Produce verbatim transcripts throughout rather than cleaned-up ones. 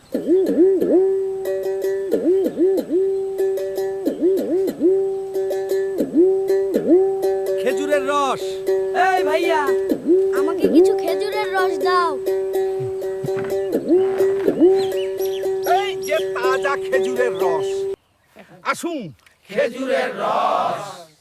খেজুরের রস। এই ভাইয়া, আমাকে কিছু খেজুরের রস দাও। এই যে তাজা খেজুরের রস। আসুন, খেজুরের রস।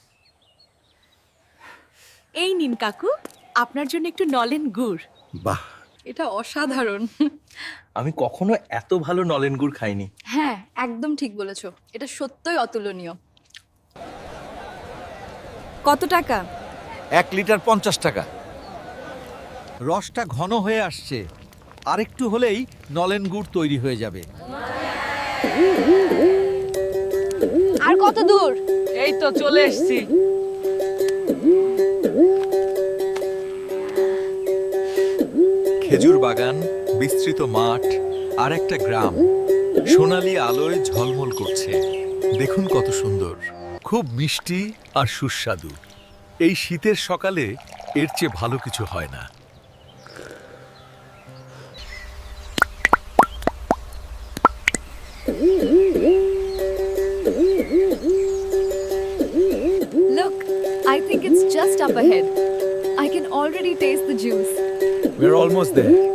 এই নিন কাকু, আপনার জন্য একটু নলেন গুড়। বাহ, এটা অসাধারণ। আমি কখনো এত ভালো নলেন গুড় খাইনি। হ্যাঁ, একদম ঠিক বলেছো, এটা সত্যই অতুলনীয়। কত টাকা? এক লিটার পঞ্চাশ টাকা। রসটা ঘন হয়ে আসছে, আরেকটু হলেই নলেন গুড় তৈরি হয়ে যাবে। আর কত দূর? এই তো চলে এসেছি। খেজুর বাগান, বিস্তৃত মাঠ আর একটা গ্রাম সোনালী আলোয় ঝলমল করছে। দেখুন কত সুন্দর, খুব মিষ্টি আর সুস্বাদু। এই শীতের সকালে এর চেয়ে ভালো কিছু হয় না। Look, I think it's just up ahead. I can already taste the juice. We're almost there.